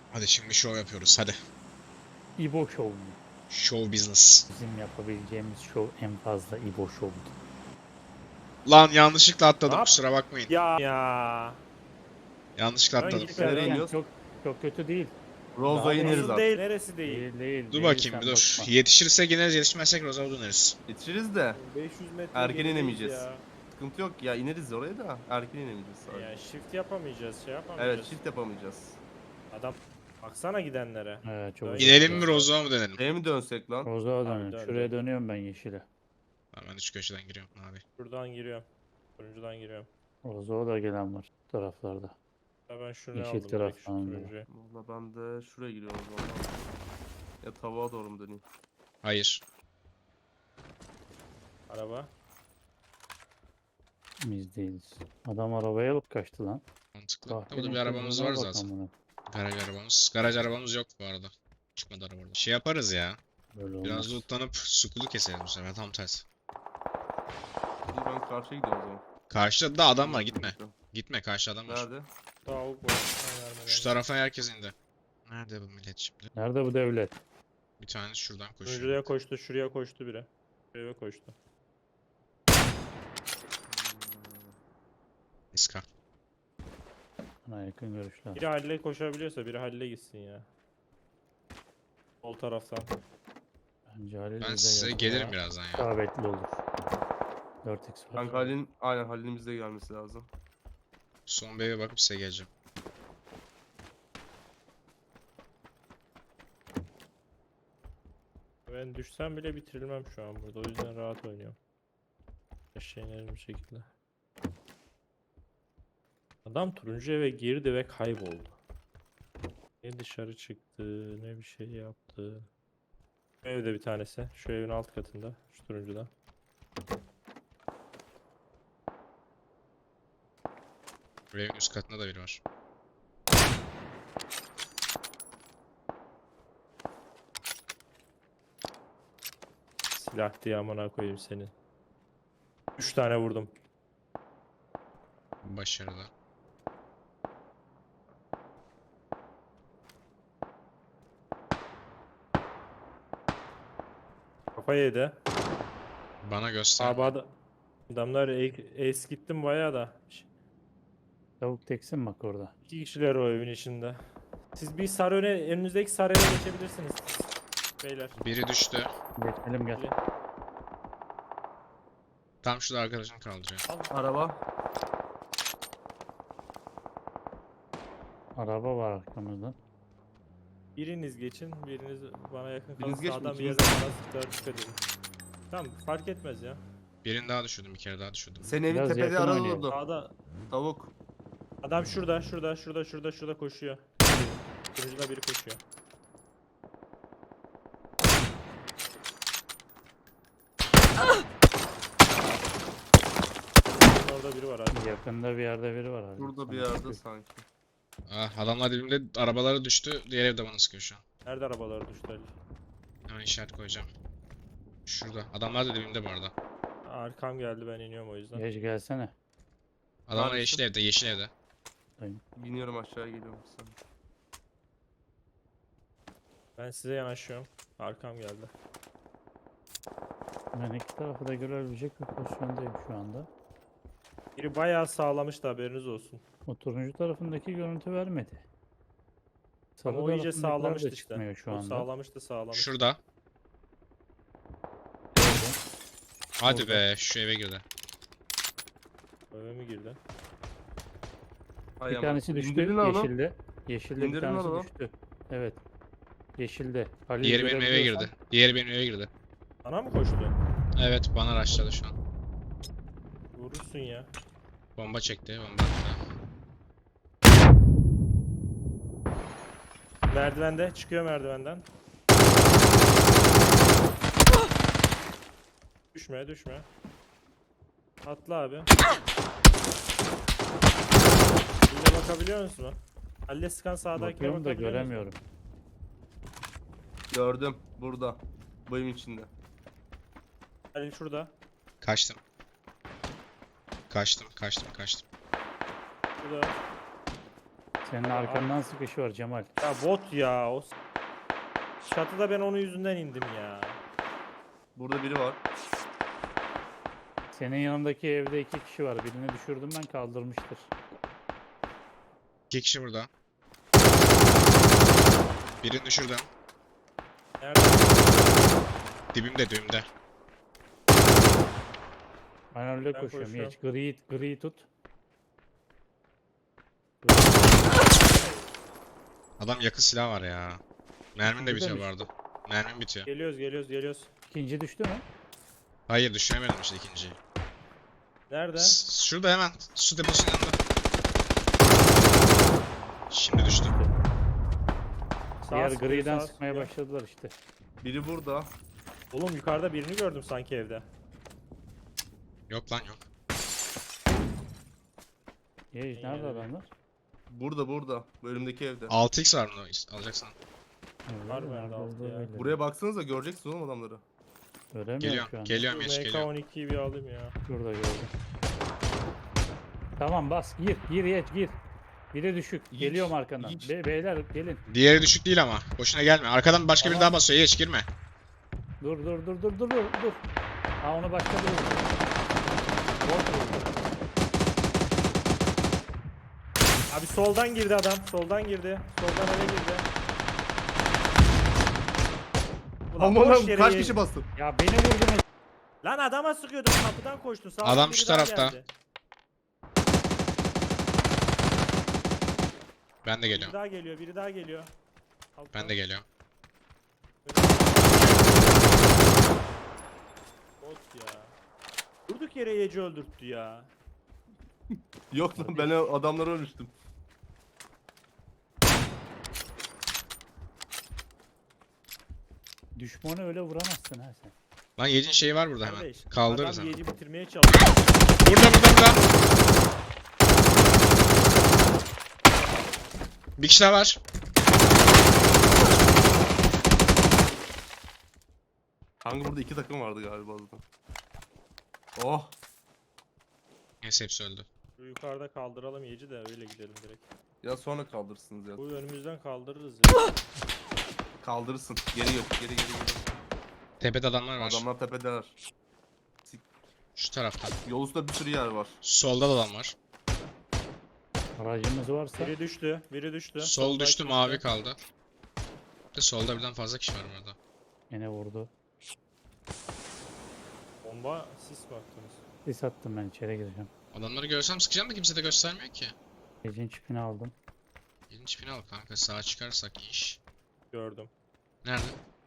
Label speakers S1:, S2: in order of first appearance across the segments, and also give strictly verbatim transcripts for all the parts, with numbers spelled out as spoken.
S1: Hadi şimdi show yapıyoruz hadi.
S2: İbo Show mu?
S1: Show business.
S2: Bizim yapabileceğimiz show en fazla İbo Show'du.
S1: Lan yanlışlıkla atladım
S3: Ne yap-
S1: kusura bakmayın.
S3: Ya ya.
S1: Yanlışlıkla
S3: Ben
S1: atladım.
S3: gidip
S2: Derken
S4: Nereye iniyoruz?
S2: Çok, çok kötü değil.
S4: Rozo'ya
S2: Daha
S4: ineriz
S3: Nasıl
S4: artık.
S3: değil? Neresi değil?
S2: Değil değil.
S1: Dur
S2: değil,
S1: bakayım
S2: sen
S1: bir dur.
S2: bakma.
S1: Yetişirsek ineriz, yetişmezsek Rozav'a döneriz.
S4: Yetişiriz de
S3: beş yüz metre
S4: erken
S3: gerideyiz
S4: inemeyeceğiz.
S3: ya.
S4: Sıkıntı yok ya, ineriz oraya da erken inemeyeceğiz sadece.
S3: Ya shift yapamayacağız, şey yapamayacağız.
S4: Evet, çift yapamayacağız.
S3: Adam baksana gidenlere.
S2: Evet, çok
S3: Öyle.
S2: uzak.
S1: İnelim mi Rozav'a mı dönelim?
S4: Şeye mi dönsek lan?
S2: Rozo'ya
S3: Abi
S2: dönün.
S3: dön,
S2: Şuraya
S3: dön.
S2: dönüyorum ben yeşile.
S1: Tamam ben de şu köşeden giriyorum abi.
S3: Şuradan giriyorum. Turuncudan giriyorum.
S2: Rozo'ya da gelen var bu taraflarda.
S3: Ya ben şunu
S2: Yeşil
S3: aldım direkt şu
S2: taraftan da.
S3: turuncuyu.
S4: Valla ben de şuraya giriyorum o zaman. Ya tavuğa doğru mu döneyim?
S1: Hayır.
S3: Araba.
S2: Biz değiliz. Adam arabayı alıp kaçtı lan.
S1: Mantıklı. Burada
S2: Kahvenin
S1: bir arabamız var
S2: kızına bak
S1: zaten.
S2: amına.
S1: Garaj arabamız. Garaj arabamız yok bu arada. Çıkmadı araba orada. Şey yaparız ya.
S2: Böyle olmaz.
S1: Biraz lootlanıp sukulu keseriz bu sefer tam tersi.
S4: İyi, ben karşıya gidiyorum o zaman.
S1: Karşıda da adam var gitme. Gitme karşı adam var.
S4: Nerede?
S3: Tavuk var. Ayarını
S1: Şu tarafa herkes indi. Nerede bu millet şimdi?
S2: Nerede bu devlet?
S1: Bir tanesi şuradan
S3: Turuncuya
S1: koşuyor.
S3: koştu, şuraya koştu biri. Şuraya koştu.
S1: İska.
S2: Bana yakın görüşler.
S3: Biri Halil'e koşabiliyorsa biri Halil'e gitsin ya. Sol taraftan.
S2: Bence Halil
S1: Ben
S2: bize
S1: size
S2: yakın
S1: gelirim
S2: daha
S1: birazdan ya.
S2: isabetli olur. dört x var.
S4: Kanka Halil'in, aynen Halil'in bize gelmesi lazım.
S1: Son bir eve bakıp size geleceğim.
S3: Ben düşsem bile bitirilmem şu an burada. O yüzden rahat oynuyorum. Eşeğin bir şekilde. Adam turuncu eve girdi ve kayboldu. Ne dışarı çıktı, ne bir şey yaptı. Şu evde bir tanesi. Şu evin alt katında. Şu turuncuda.
S1: Bu evin üst katında da biri var.
S3: Silah diye amına koyayım senin. Üç tane vurdum.
S1: Başarılı.
S3: Kafa yedi.
S1: Bana göster.
S3: Abi ad- adamlar e- ace gittim bayağı da.
S2: Tavuk teksin bak orada.
S3: İki kişiler o evin içinde. Siz bir sarı öne, önünüzdeki sarı eve geçebilirsiniz. Beyler.
S1: Biri düştü.
S2: Geçelim gel.
S3: Biri-
S1: Tam şurada arkadaşını kaldırıyor.
S4: Araba.
S2: Araba var arkamızdan.
S3: Biriniz geçin, biriniz bana yakın kalın.
S4: Biriniz geçin,
S3: Sağdan bir
S4: ikiniz-
S3: yerden bana sıktılar, dikkat edin. Tamam, fark etmez ya.
S1: Birini daha düşürdüm. Bir kere daha düşürdüm.
S4: Senin evin
S2: Biraz
S4: tepede
S2: yakın
S4: araba
S2: oynayalım.
S4: durdu.
S3: Sağda
S4: Tavuk.
S3: adam şurada, şurada, şurada, şurada, şurada koşuyor. Turuncuda biri koşuyor. Orada biri var abi.
S2: Yakında bir yerde biri var. Halil.
S4: Burada bir
S2: Sana
S4: yerde
S2: bakıyor.
S4: sanki.
S1: Ah, adamlar dibimde arabaları düştü. Diğer evde bana sıkıyor şu an.
S3: Nerede arabalar düştü Ali?
S1: Hemen işaret koyacağım. Şurada. Adamlar da dibimde bu arada.
S3: Arkam geldi, ben iniyorum o yüzden.
S2: Geç gelsene.
S1: Adamlar
S4: Neredesin?
S1: yeşil evde, yeşil evde.
S4: İniyorum aşağıya geliyorum sen.
S3: Ben size yanaşıyorum. Arkam geldi.
S2: Ben iki tarafı da görebilecek bir pozisyondayım şu anda.
S3: Biri bayağı sağlamıştı, haberiniz olsun.
S2: O turuncu tarafındaki görüntü vermedi.
S3: Ama
S2: Sarı
S3: o iyice
S2: tarafındakiler
S3: sağlamıştı
S2: de
S3: işte.
S2: çıkmıyor şu
S3: O
S2: anda.
S3: sağlamıştı, sağlamıştı.
S1: Şurada. Hadi be, şu eve girdi.
S3: Eve mi girdi?
S4: Hay
S2: Bir
S4: aman.
S2: tanesi düştü
S4: İndirdin lan onu.
S2: yeşilde. Yeşilde bir
S4: İndirdin lan
S2: tanesi
S4: onu.
S2: düştü. Evet. Yeşilde. Halil
S1: Diğeri benim eve
S2: görebiliyorsan-
S1: girdi. Diğeri benim eve girdi.
S3: Bana mı koştu?
S1: Evet, bana araçladı şu an.
S3: Vurursun ya.
S1: Bomba çekti, bomba attı.
S3: Merdivende, çıkıyor merdivenden. Düşme, düşme. Atla abi. Yine bakabiliyor musun? Halle sıkan sağdakine
S2: Bakıyorum da
S3: bakabiliyor musun?
S2: göremiyorum.
S4: Gördüm. Burada. Bu evin içinde.
S3: Halil şurada.
S1: Kaçtım. Kaçtım, kaçtım, kaçtım.
S3: Şurada.
S2: Senin arkandan sıkışı var Cemal.
S3: Ya bot ya. O s- çatıda ben onun yüzünden indim ya.
S4: Burada biri var.
S2: Senin yanındaki evde iki kişi var. Birini düşürdüm ben, kaldırmıştır.
S1: İki kişi burada. Birini düşürdüm.
S3: Nerede?
S1: Dibimde dibimde.
S2: Ben öyle
S3: Ben
S2: koşuyorum.
S3: koşuyorum.
S2: Geç gri, gri tut.
S1: Adam yakın silah var ya. Mermin de
S2: İkinci de
S1: bitiyor
S2: mi
S1: bu arada. Mermin bitiyor.
S3: Geliyoruz geliyoruz geliyoruz.
S2: İkinci düştü mü?
S1: Hayır düşüremedim işte ikinciyi.
S3: Nerede?
S1: S- Şurada hemen su deposunun yanında. Şimdi düştü.
S3: Sağ
S2: Diğer
S3: sıkıyor,
S2: griden
S3: sağ
S2: sıkmaya
S3: sıkıyor.
S2: başladılar işte.
S4: Biri burada.
S3: Oğlum yukarıda birini gördüm sanki evde.
S1: Yok lan yok.
S2: Yeğiz
S3: İyi
S2: nerede
S3: yani.
S2: adamlar?
S4: Burada burada. Bu önümdeki evde.
S1: altı x var bunu alacaksan.
S2: Öyle
S3: Var
S2: mi?
S3: bende
S2: Nerede
S3: altı
S2: olduğu
S3: ya.
S2: belli.
S4: Buraya baksanıza göreceksiniz oğlum adamları.
S2: Göremiyorum
S1: Geliyorum.
S2: şu an.
S1: Geliyorum geç
S3: M K
S1: geliyorum.
S3: on ikiyi bir alayım ya.
S2: Şurada gördüm. Tamam bas gir gir geç gir. Biri düşük.
S4: Hiç,
S2: Geliyorum arkandan.
S4: hiç.
S2: Be- beyler gelin.
S1: Diğeri düşük değil ama. Boşuna gelme. Arkadan başka biri
S2: Tamam.
S1: daha basıyor. Geç girme.
S2: Dur dur dur dur dur dur dur. Ha onu başka biri vurdu. Bot vurdu.
S3: Abi soldan girdi adam. Soldan girdi. Soldan eve girdi. Ulan
S4: Aman
S3: boş
S4: Allah'ım
S3: yere
S4: kaç
S3: ye-
S4: kişi bastı?
S2: Ya beni vurdunuz.
S3: Lan adama sıkıyordum kapıdan koştu. Sağ
S1: Adam
S3: biri
S1: şu
S3: daha
S1: tarafta.
S3: geldi.
S1: Ben de
S3: Biri
S1: geliyorum.
S3: daha geliyor. Biri daha geliyor. Alttan.
S1: Ben de geliyorum.
S3: Bot ya. Durduk yere Yeci öldürttü ya.
S4: Yok lan ben o adamları ölmüştüm.
S2: Düşmanı öyle vuramazsın ha sen.
S1: Lan Yedin şeyi var burada hemen.
S3: Kardeş,
S1: Kaldırırız
S3: adam
S1: hemen.
S3: Yeci bitirmeye çalışıyor.
S1: Burada burada burada. Bir kişi daha var.
S4: Kanka burada iki takım vardı galiba orada. Oh.
S1: Neyse hepsi öldü.
S3: Şu yukarıda kaldıralım Yeci de öyle gidelim direkt.
S4: Ya sonra kaldırırsınız ya.
S3: Bu önümüzden kaldırırız ya.
S4: Kaldırırsın. Geri yok. Geri geri geri.
S1: Tepede adamlar var.
S4: Adamlar tepedeler.
S1: Şu tarafta.
S4: Yol üstünde bir sürü yer var.
S1: Solda da adam var.
S2: Aracımız varsa
S3: Biri düştü. Biri düştü.
S1: Sol
S3: Soldaki
S1: düştü mavi kaldı. Bir de solda birden fazla kişi var burada.
S2: yine vurdu.
S3: Bomba sis mi attınız?
S2: Sis attım ben, içeri gireceğim.
S1: Adamları görsem sıkacağım da kimse de göstermiyor ki.
S2: Gecin çipini aldım.
S1: Yedin çipini al kanka, sağa çıkarsak iyi iş.
S3: Gördüm.
S1: Nerede?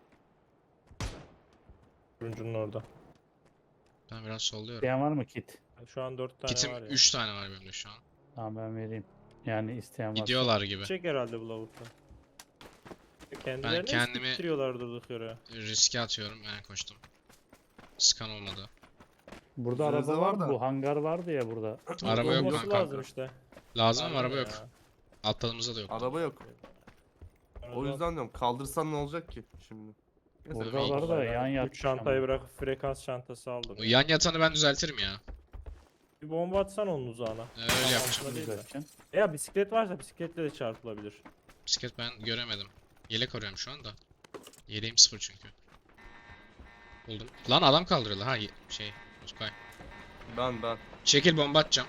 S3: Turuncunun orada.
S1: Ben biraz solluyorum.
S2: İsteyen var mı kit?
S3: Şu an dört tane
S1: Kitim
S3: var ya.
S1: üç tane var benim de şu an.
S2: Tamam ben vereyim. Yani isteyen varsa.
S1: Gidiyorlar gibi.
S3: Çek herhalde bu lavukta. Kendilerini
S1: kendimi-
S3: istiktiriyorlar durduk yere.
S1: Riske atıyorum, ben koştum. Skan olmadı.
S2: Burada
S4: Üzerinizde
S2: araba
S4: var
S2: var
S4: da.
S2: Bu hangar vardı ya burada.
S1: Araba yok
S3: Olması
S1: kanka.
S3: lazım işte.
S1: Lazım ama
S3: Var
S1: araba
S3: ya.
S1: yok. Atladığımızda da yok.
S4: Araba yok.
S3: Ben
S4: O yüzden diyorum kaldırsan ne olacak ki şimdi? Neyse,
S2: Burada
S1: iyi.
S2: var da yan yat.
S3: Üç çantayı bırakıp frekans çantası aldım.
S1: O yan yatanı ben düzeltirim ya.
S3: Bir bomba atsan onun uzağına.
S1: Ee, öyle
S3: Tamam,
S1: yapacağım.
S3: aslında değil de.
S2: Düzelteceksin.
S3: Veya bisiklet varsa bisikletle de çarpılabilir.
S1: Bisiklet ben göremedim. Yelek arıyorum şu anda. Yeleğim sıfır çünkü. Buldum. Lan adam kaldırıyorlar ha ye- şey. Uzkay.
S4: Ben ben.
S1: Çekil, bomba atacağım.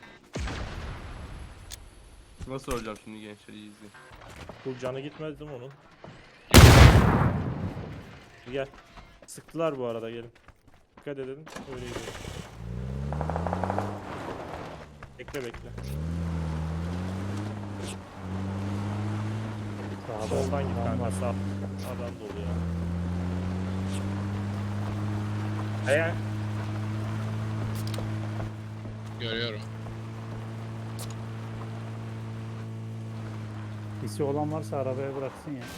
S4: Nasıl öleceğim şimdi gençler, iyi izleyin.
S3: Bu canı gitmez değil mi onun? Gel. Sıktılar bu arada, gelin. Dikkat edin, öyle gidiyor. Bekle bekle.
S2: Sağda
S3: Soldan git
S2: adam
S3: kanka,
S2: var.
S3: sağ. Adam dolu ya. Eğer
S1: Görüyorum.
S2: Hisi olan varsa arabaya bıraksın ya.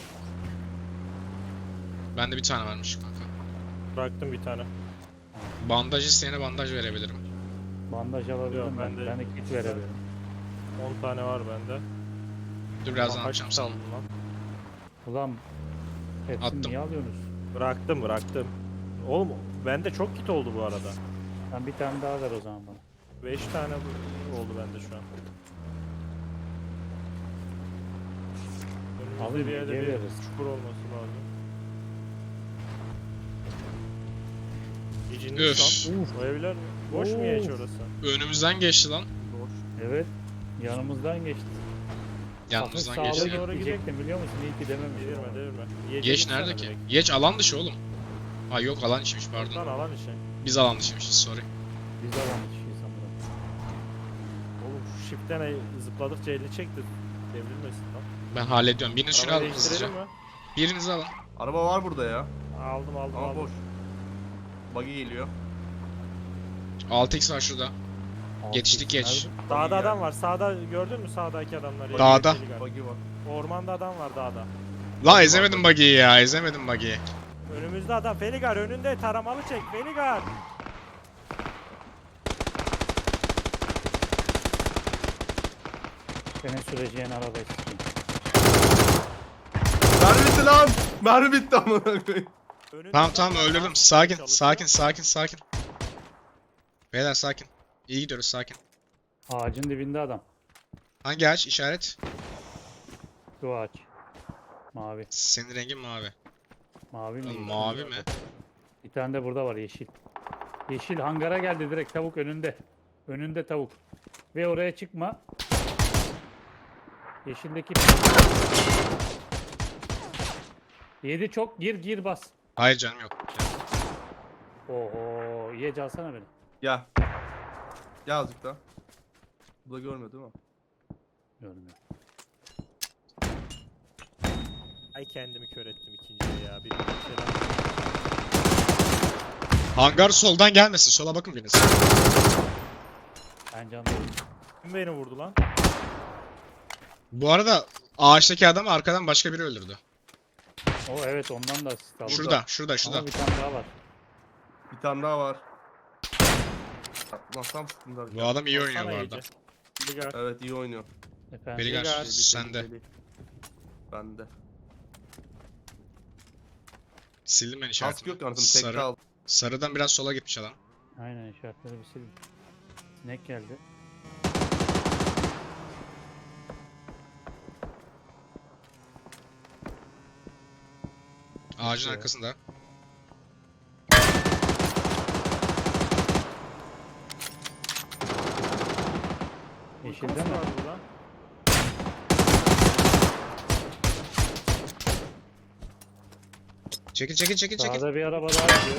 S1: Bende bir tane varmış kanka.
S3: bıraktım bir tane.
S1: Bandaj isteyene bandaj verebilirim.
S2: Bandaj alabilirim
S3: Yok,
S2: ben.
S3: bende-
S2: Ben de kit verebilirim.
S3: on tane var bende.
S1: Dur birazdan
S3: Ulan kaç
S1: atacağım sana.
S3: kaldın lan?
S2: Ulan hepsini
S1: Attım.
S2: niye alıyorsunuz?
S3: Bıraktım bıraktım. Oğlum bende çok kit oldu bu arada.
S2: Sen bir tane daha ver o zaman bana.
S3: beş tane bu- oldu bende şu an.
S2: Alın
S3: Bizde bir yerde
S2: gece
S3: bir
S2: veririz.
S3: çukur olması lazım.
S1: Üf.
S3: İcinmiş lan. O evler boş mu ya hiç
S2: Of.
S3: orası?
S1: Önümüzden geçti lan.
S4: Boş.
S2: Evet. Yanımızdan geçti.
S1: Yanımızdan
S2: Hafif
S1: geçti.
S2: sağlı
S3: Doğru
S2: gidecektim biliyor musun? İyi ki dememişim.
S3: Devirme devirme. Yiyece
S1: Geç
S3: gitsene
S1: nerede ki?
S3: direkt.
S1: Geç alan dışı oğlum. Ha yok alan içiymiş
S3: Lan
S1: pardon.
S3: alan işi.
S1: Biz alan dışıymışız sorry.
S2: Biz alan kişiyiz sanırım.
S3: Oğlum şu shift'ten ay- zıpladıkça elini çekti. Devrilmesin lan.
S1: Ben hallediyorum. Biriniz şunu
S3: Arabayı
S1: alın hızlıca.
S3: değiştirelim mi?
S1: Birinizi alın.
S4: Araba var burada ya.
S3: Aldım aldım
S4: Ama
S3: aldım.
S4: boş. Buggy geliyor.
S1: altı x var şurada.
S2: Altı
S1: Yetiştik
S2: X
S1: geç.
S2: nerede?
S3: Dağda
S4: Buggy
S3: adam
S4: geldi.
S3: var. Sağda gördün mü sağdaki adamları?
S1: Dağda.
S3: Deligar.
S4: Buggy var.
S3: Ormanda adam var dağda.
S1: La ezemedim buggy'yi ya. Ezemedim buggy'yi.
S3: Önümüzde adam. Feligar önünde taramalı çek. Feligar.
S2: Senin süreceğin arabayı sikeyim.
S4: Mermi bitti lan. Mermi bitti amına koyayım.
S3: Önünde
S1: Tamam
S3: adam
S1: tamam
S3: var,
S1: öldürdüm.
S3: dans
S1: Sakin
S3: etmeye
S1: sakin
S3: çalışıyor.
S1: sakin sakin. Beyler sakin. İyi gidiyoruz sakin.
S2: Ağacın dibinde adam.
S1: Hangi ağaç? İşaret.
S2: Şu ağaç. Mavi.
S1: Senin rengin mavi.
S2: Mavi mi?
S1: Lan mavi mi?
S2: Bir tane de burada var yeşil. Yeşil hangara geldi direkt tavuk önünde. Önünde tavuk. Ve oraya çıkma. Yeşildeki yedi çok gir gir bas.
S1: Hayır canım yok.
S2: Oho ye alsana beni.
S4: Ya. Ya azıcık da. Bu da görmüyor değil mi?
S2: Görmüyor.
S3: Ay kendimi kör ettim ikinciye ya. Bir bir şeyden.
S1: Hangar soldan gelmesin. Sola bakın biriniz.
S2: Ben canlıyım.
S3: Kim beni vurdu lan?
S1: Bu arada ağaçtaki adamı arkadan başka biri öldürdü.
S2: O evet ondan da asist aldım.
S1: Şurada, şurada, şurada.
S2: Ama bir tane daha var.
S4: Bir tane daha var. Lan tam sıkıntılar.
S1: Bu adam iyi oynuyor bu
S3: Baksana
S1: arada.
S3: iyice. Feligar.
S4: Evet iyi oynuyor.
S2: Efendim.
S1: Beligar
S3: Beligar,
S1: sende.
S4: Bende.
S1: Sildim ben
S4: Kask
S1: işaretimi.
S4: yok anasını tek
S1: Sarı,
S4: kal.
S1: sarıdan biraz sola gitmiş adam.
S2: Aynen işaretleri bir sildim. Sinek geldi.
S1: Ağacın
S2: ya.
S1: arkasında.
S2: Yeşilde
S3: Nasıl
S2: mi?
S3: var burada?
S1: Çekil çekil çekil çekil.
S2: Sağda bir araba daha gidiyor.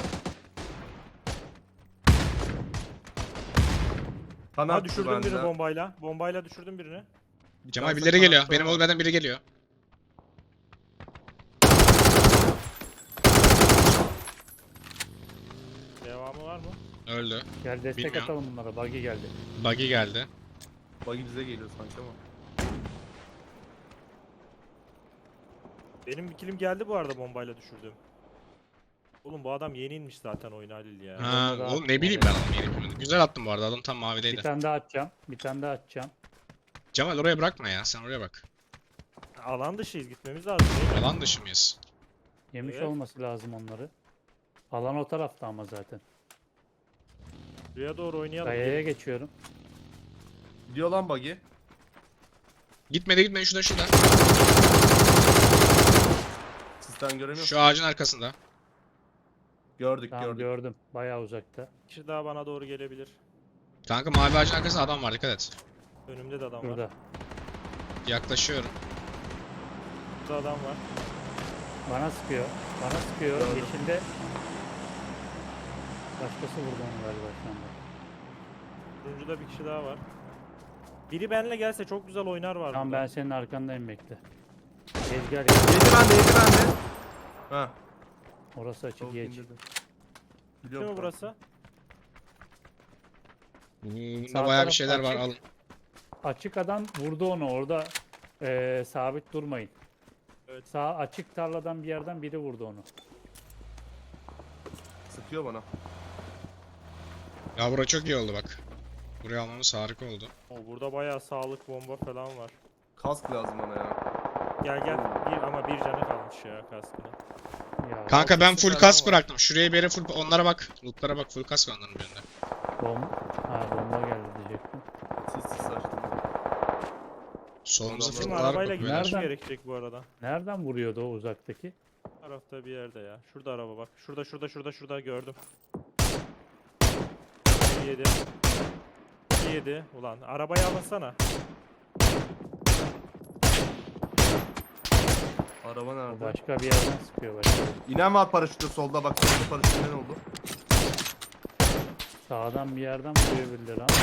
S4: Kanat
S3: Ha düşürdüm birini
S4: bende.
S3: bombayla. Bombayla düşürdüm birini.
S4: Bir
S1: Cemal
S4: tanesi
S1: birileri geliyor.
S4: kanatta
S1: Benim
S4: var.
S1: olmadan biri geliyor.
S3: Devamı var mı?
S1: Öldü.
S2: Gel destek
S1: Bilmiyorum.
S2: atalım bunlara. Buggy geldi.
S1: Buggy geldi.
S4: Buggy bize geliyor sanki ama.
S3: Benim bir kilim geldi bu arada bombayla düşürdüm. Oğlum bu adam yeni inmiş zaten oyuna Halil ya.
S1: Ha,
S2: Onda da-
S1: oğlum ne bileyim ben adamı yeni bilmedim. Güzel attım bu arada. Adam tam
S2: Bir
S1: mavideydi.
S2: tane daha atacağım. Bir tane daha atacağım.
S1: Cemal oraya bırakma ya. Sen oraya bak.
S3: Alan dışıyız gitmemiz lazım. değil mi?
S1: Alan dışı mıyız?
S2: Yemiş
S3: Evet.
S2: olması lazım onları. Alan o tarafta ama zaten.
S3: Buraya doğru oynayalım.
S2: Kayaya
S3: gelin.
S2: geçiyorum.
S4: Gidiyor lan buggy.
S1: Gitmedi gitmedi şurada şurada.
S4: Sistem göremiyor.
S1: Şu ağacın arkasında.
S4: Gördük
S2: Tamam
S4: gördük.
S2: gördüm. Bayağı uzakta.
S3: Bir kişi daha bana doğru gelebilir.
S1: Kanka mavi ağacın arkasında adam var dikkat et.
S3: Önümde de adam var.
S2: Burada.
S1: Yaklaşıyorum.
S3: Burada adam var.
S2: Bana sıkıyor. Bana sıkıyor.
S4: Gördüm.
S2: Yeşilde. Başkası vurdu onu galiba şu anda.
S3: Turuncuda bir kişi daha var. Biri benimle gelse çok güzel oynar var
S2: Tamam
S3: burada.
S2: ben senin arkandayım bekle. Geç gel.
S4: Yedi bende yedi bende. Ha.
S2: Orası açık
S4: Tavuk
S2: geç.
S4: indirdim.
S3: Değil
S4: Biliyorum
S3: mi burası?
S1: Bunda
S2: Sağ
S1: bayağı bir
S2: taraf
S1: şeyler var
S2: açık.
S1: alın.
S2: Açık adam vurdu onu orada. eee, sabit durmayın.
S3: Evet.
S2: Sağ açık tarladan bir yerden biri vurdu onu.
S4: Sıkıyor bana.
S3: Şey
S1: Ya bura çok iyi oldu bak. Buraya almamız harika oldu.
S3: O burada bayağı sağlık bomba falan var.
S4: Kask lazım bana ya.
S3: Gel gel bir ama bir canı kalmış ya kaskına.
S2: Ya,
S1: Kanka ben
S3: altı
S1: full
S3: falan
S1: kask
S3: var.
S1: bıraktım. Şuraya bir yere full onlara bak. Lootlara bak full kask var onların birinde.
S2: bom ha, bomba geldi diyecektim.
S4: Sis sis açtım.
S1: Solumuzda
S4: Bizim
S3: Bizim
S1: fırtınalar
S3: arabayla
S1: kopuyor.
S3: gitmemiz
S2: Nereden?
S3: gerekecek bu arada.
S2: Nereden vuruyordu o uzaktaki?
S3: Bu tarafta bir yerde ya. Şurada araba bak. Şurada şurada şurada şurada gördüm. Bir yedi. Bir yedi. Ulan arabayı alınsana.
S4: Araba
S2: O
S4: nerede?
S2: başka bir yerden sıkıyor başka.
S4: İnen var paraşütü solda bak solda paraşütü inen oldu.
S2: Sağdan bir yerden vuruyor birileri ama.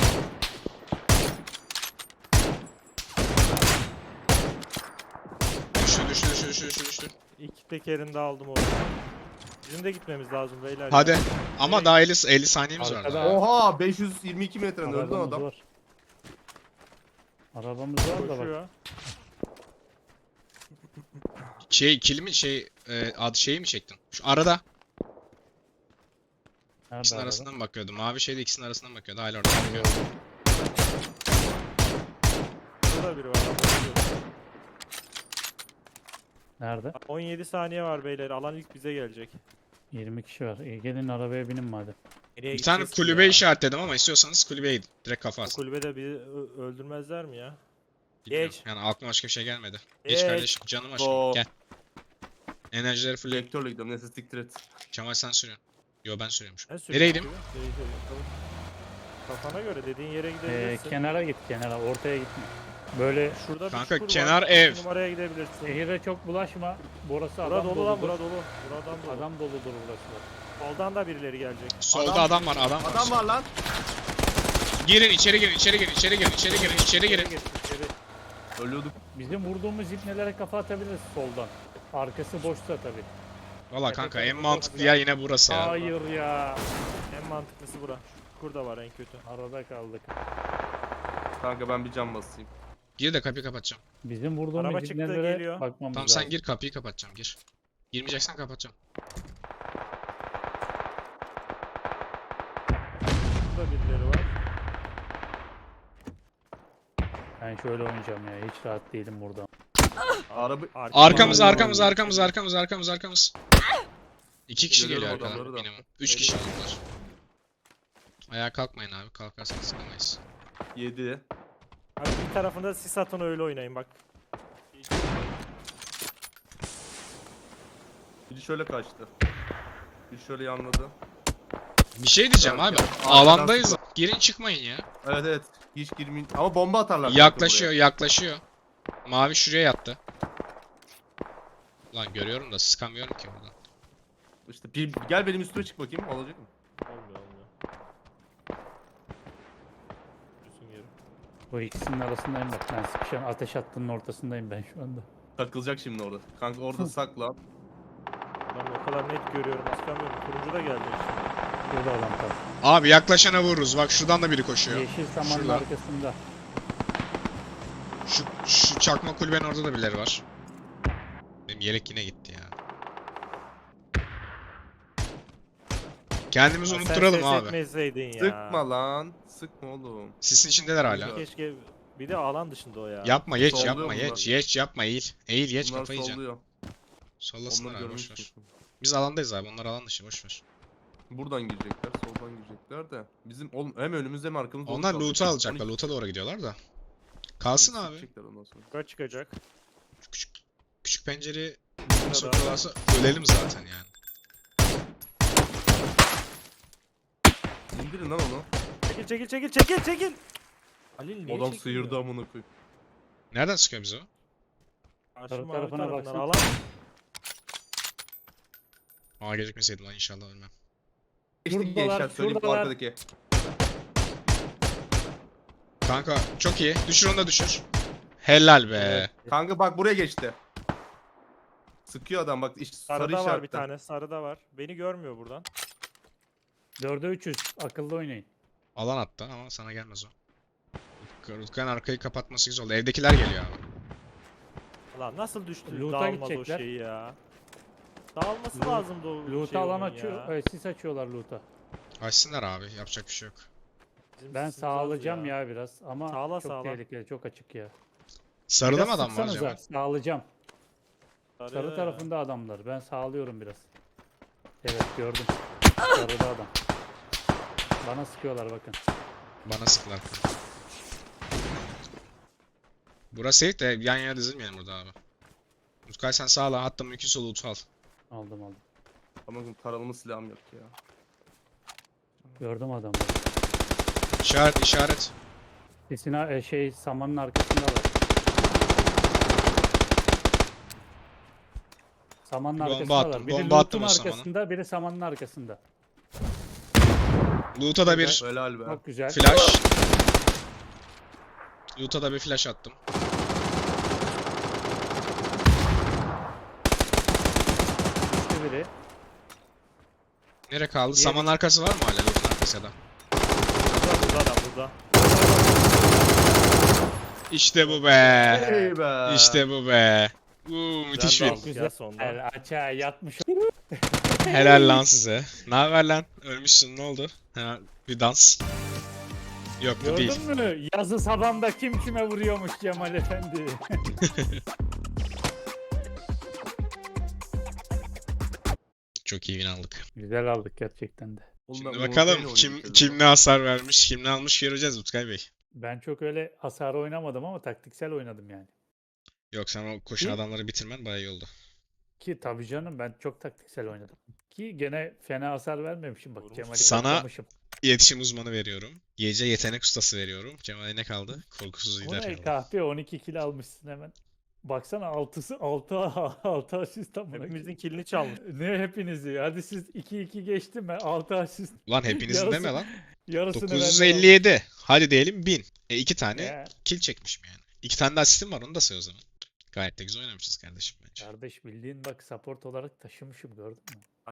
S1: Düştü düştü düştü düştü düştü düştü.
S3: İki tekerini de aldım orada. Bizim de gitmemiz lazım beyler. ya.
S1: Hadi. Ama daha elli, elli saniyemiz var
S2: Arkada-
S1: daha.
S4: Oha beş yüz yirmi iki metreden öldü lan
S2: Arabamız
S4: adam.
S2: var. Arabamız var da bak.
S3: Koşuyor.
S1: Şey ikili mi şey e, adı şeyi mi çektin? Şu arada.
S2: Nerede
S1: İkisinin
S2: araba?
S1: arasından mı bakıyordu? Mavi şeyde ikisinin arasından bakıyordu. Hala orada bakıyor.
S3: Burada biri var. lan, koşuyor.
S2: Nerede?
S3: on yedi saniye var beyler. Alan ilk bize gelecek.
S2: yirmi kişi var. İyi, gelin arabaya binin madem.
S3: Nereye
S1: Bir tane
S3: gideceğiz ki
S1: kulübe
S3: ya?
S1: işaretledim ama istiyorsanız kulübeye gidin. Direkt kafa
S3: Bu
S1: asın.
S3: kulübede bizi ö- öldürmezler mi ya?
S1: Bilmiyorum.
S3: Geç.
S1: Yani aklıma başka bir şey gelmedi. Geç
S3: Geç.
S1: kardeşim. Canım aşkım.
S4: Oo.
S1: Gel. Enerjileri full.
S4: Vektörle gidiyorum neyse siktir et.
S1: Kemal sen sürüyorsun. Yo ben sürüyormuşum.
S3: Ben
S1: Nereye
S3: sürüyorum
S1: gideyim?
S3: gibi. Nereye gidelim? Tamam. Kafana göre dediğin yere
S2: Ee,
S3: gidebilirsin.
S2: kenara git kenara. Ortaya gitme. Böyle
S3: Şurada bir
S1: Kanka,
S3: çukur
S1: kenar
S3: var.
S1: ev.
S3: Bir numaraya gidebilirsin.
S2: şehire çok bulaşma. Burası
S3: Bura
S2: adam
S3: dolu lan
S2: doludur.
S3: bura dolu. Buradan dolu.
S2: Adam doludur burası.
S3: Soldan da birileri gelecek.
S1: Solda
S4: Adam-
S1: adam, var, adam var.
S4: Adam var lan.
S1: Girin, içeri girin, içeri girin, içeri girin, içeri girin, içeri girin.
S2: Gir, içeri.
S4: Ölüyorduk.
S2: Bizim vurduğumuz ipnelere kafa atabiliriz soldan. Arkası boşsa tabii.
S1: Valla kanka en mantıklı yer yine burası ya.
S2: Hayır ya.
S3: En mantıklısı bura. Çukur da var en kötü.
S2: Arada kaldık.
S4: Kanka ben bir cam basayım.
S1: Gir de kapıyı kapatacağım.
S2: Bizim vurduğumuz
S3: Araba çıktı,
S2: ipnelere
S3: geliyor.
S2: bakmamız
S1: Tamam
S2: lazım.
S1: sen gir, kapıyı kapatacağım, gir. Girmeyeceksen kapatacağım.
S3: Burada birileri var.
S2: Ben şöyle oynayacağım ya. Hiç rahat değilim burada.
S4: Araba
S3: Arka-
S1: Arkamız,
S4: Arkamız,
S1: arkamız,
S4: arkamız.
S1: arkamız, arkamız, arkamız, arkamız. İki kişi
S4: Görüyorum
S1: geliyor arkadan
S4: adamları da.
S1: minimum. Üç kişi oldular. Ayağa kalkmayın abi, kalkarsanız sıkamayız.
S4: yedi.
S3: Abi bir tarafında sis atın öyle oynayın bak.
S4: Biri şöyle kaçtı. Biri şöyle yanladı.
S1: Bir şey diyeceğim abi,
S4: Arkadan
S1: alandayız.
S4: sıkı-
S1: Girin çıkmayın ya.
S4: Evet evet. Hiç girmeyin. Ama bomba atarlar.
S1: Yaklaşıyor, yaklaşıyor. Mavi şuraya yattı. Lan görüyorum da sıkamıyorum ki buradan.
S4: İşte bir, gel benim üstüme çık bakayım. Olacak mı?
S3: Olmuyor olmuyor. Yürüsün geri.
S2: Bu ikisinin arasındayım bak. Ben sıkışan ateş hattının ortasındayım ben şu anda.
S4: Takılacak şimdi orada. Kanka orada sakla.
S3: Ben o kadar net görüyorum. Sıkamıyorum. Turuncu da gelecek şimdi.
S2: Burada adam tam.
S1: Abi yaklaşana vururuz. Bak şuradan da biri koşuyor.
S2: Yeşil samanın
S1: Şurada.
S2: arkasında.
S1: Şu, şu çakma kulübenin orada da birileri var. Benim yelek yine gitti ya. Kendimizi
S3: Ya sen
S1: unutturalım
S3: ses
S1: abi.
S3: etmeseydin ya.
S4: Sıkma lan. Sıkma oğlum.
S1: Sisin içindeler hala.
S3: Keşke bir de alan dışında o ya.
S1: Yapma geç
S4: Solluyor
S1: yapma
S4: bunlar.
S1: geç geç yapma eğil. Eğil geç
S4: Bunlar
S1: kafayı yiyeceksin.
S4: solluyor.
S1: Sollasınlar
S4: Onları
S1: abi
S4: görmek
S1: boşver.
S4: istiyorsun.
S1: Biz alandayız abi, onlar alan dışı boşver.
S4: Buradan girecekler, soldan girecekler de. Bizim oğlum hem önümüzde hem arkamızda.
S1: Onlar
S4: kalacak.
S1: loot'u alacaklar.
S4: on iki
S1: Loot'a doğru gidiyorlar da. Kalsın abi.
S4: sikecekler ondan sonra.
S3: Yukarı çıkacak.
S1: Şu küçük küçük pencereyi
S3: Burada da-
S1: sokuyorlarsa ölelim zaten yani.
S4: İndirin lan onu.
S3: Çekil çekil çekil çekil çekil. Halil niye
S4: Adam
S3: çekilmiyor?
S4: sıyırdı amına koyayım.
S1: Nereden sıkıyor bizi o?
S3: Karşı
S2: Taraf
S3: mavi
S2: tarafına
S3: tarafından
S2: baksana.
S3: alan.
S1: Aa gecikmeseydim lan inşallah ölmem.
S4: İşte
S2: Şuradalar,
S4: gençler söyleyeyim bu
S2: şuradalar.
S4: arkadaki.
S1: Kanka çok iyi. Düşür onu da düşür. Helal be.
S4: Kanka bak buraya geçti. Sıkıyor adam bak işte sarı
S3: Sarıda var bir
S4: işaretten.
S3: tane. Sarıda var. Beni görmüyor buradan.
S2: Dörde üç yüz. Akıllı oynayın.
S1: Alan attı ama sana gelmez o. Rutkan arkayı kapatması güzel oldu. Evdekiler geliyor abi.
S3: Lan nasıl düştü?
S2: Loot'a
S3: Dağılmaz o
S2: gidecekler.
S3: şey ya. Dağılması
S2: Loot-
S3: lazımdı o
S2: Loot'a
S3: şey
S2: alan
S3: onun
S2: açıyor.
S3: ya.
S2: e, sis açıyorlar loot'a.
S1: Açsınlar abi. Yapacak bir şey yok.
S3: Bizim
S2: Ben
S3: sisimiz az
S2: sağlayacağım ya. biraz ama
S3: Sağla,
S2: çok
S3: sağla.
S2: tehlikeli, çok açık ya.
S1: Sarıda
S2: Biraz
S1: mı adam var
S2: sıksanıza,
S1: acaba?
S2: Sağlayacağım.
S3: Sarı,
S2: Sarı tarafında adamlar. Ben sağlıyorum biraz. Evet gördüm. Sarıda adam. Bana sıkıyorlar bakın.
S1: Bana sıktılar. Burası safe de yan yana dizilmeyelim burada abi. Utkay sen sağla, hatta mümkünse loot al.
S2: Aldım aldım.
S4: Ama taralıma silahım yok ya.
S2: Gördüm adamı.
S1: İşaret, işaret.
S2: Kesin ha- e, şey samanın arkasında var. Samanın
S1: Bomba
S2: arkasında
S1: attım,
S2: var. Biri
S1: bomba attım
S2: loot'un
S1: o samana.
S2: arkasında, biri samanın arkasında.
S1: Loot'a da bir
S4: Helal be.
S2: Çok güzel.
S1: flash. Loot'a da bir flash attım.
S2: Düştü biri.
S1: Nere kaldı?
S2: Diğeri-
S1: Saman arkası var mı hala loot'un arkası ya da?
S3: Burada burada adam burada.
S1: İşte bu be.
S4: Hey be.
S1: İşte bu be. Uuu müthiş
S3: Güzel
S1: bir.
S3: de aldık ya
S2: Güzel.
S3: sonunda.
S2: El açığa yatmış.
S1: Helal lan size. Ne haber lan? Ölmüşsün, ne oldu? Ha, bir dans. Yok bu değil.
S2: Gördün mü? Yazı sabanda kim kime vuruyormuş Cemal Efendi.
S1: Çok iyi win aldık.
S2: Güzel aldık gerçekten de.
S4: Oğlum ben
S1: Şimdi
S4: Umut
S1: bakalım
S4: Bey'le
S1: kim
S4: oynadım
S1: kim ne hasar vermiş, kim ne almış göreceğiz Utkay Bey.
S2: Ben çok öyle hasar oynamadım ama taktiksel oynadım yani.
S1: Yok, sen o koşan
S2: Hı?
S1: adamları bitirmen bayağı iyi oldu.
S2: Ki tabii canım ben çok taktiksel oynadım. Ki gene fena hasar vermemişim bak
S3: Vurmuş.
S2: Cemal'i
S1: Sana-
S2: yoklamışım.
S1: İletişim uzmanı veriyorum. Gece yetenek ustası veriyorum. Cemal'e ne kaldı? Korkusuz
S2: O
S1: lider
S2: ne
S1: kaldı.
S2: kahpe on iki kill almışsın hemen. Baksana altısı altı altı asist amına.
S3: Hepimizin kilini çalmış.
S2: Ne hepinizi? Hadi siz iki iki geçti mi? altı asist.
S1: Ulan hepinizin
S2: Yarısı-
S1: deme lan.
S2: Yarısını benden
S1: dokuz yüz elli yedi. Hadi diyelim bin. E iki
S2: aldım.
S1: tane
S2: Ya,
S1: kill çekmişim yani. İki tane de asistim var, onu da say o zaman. Gayet de güzel oynamışız kardeşim bence.
S2: kardeş bildiğin bak support olarak taşımışım gördün mü?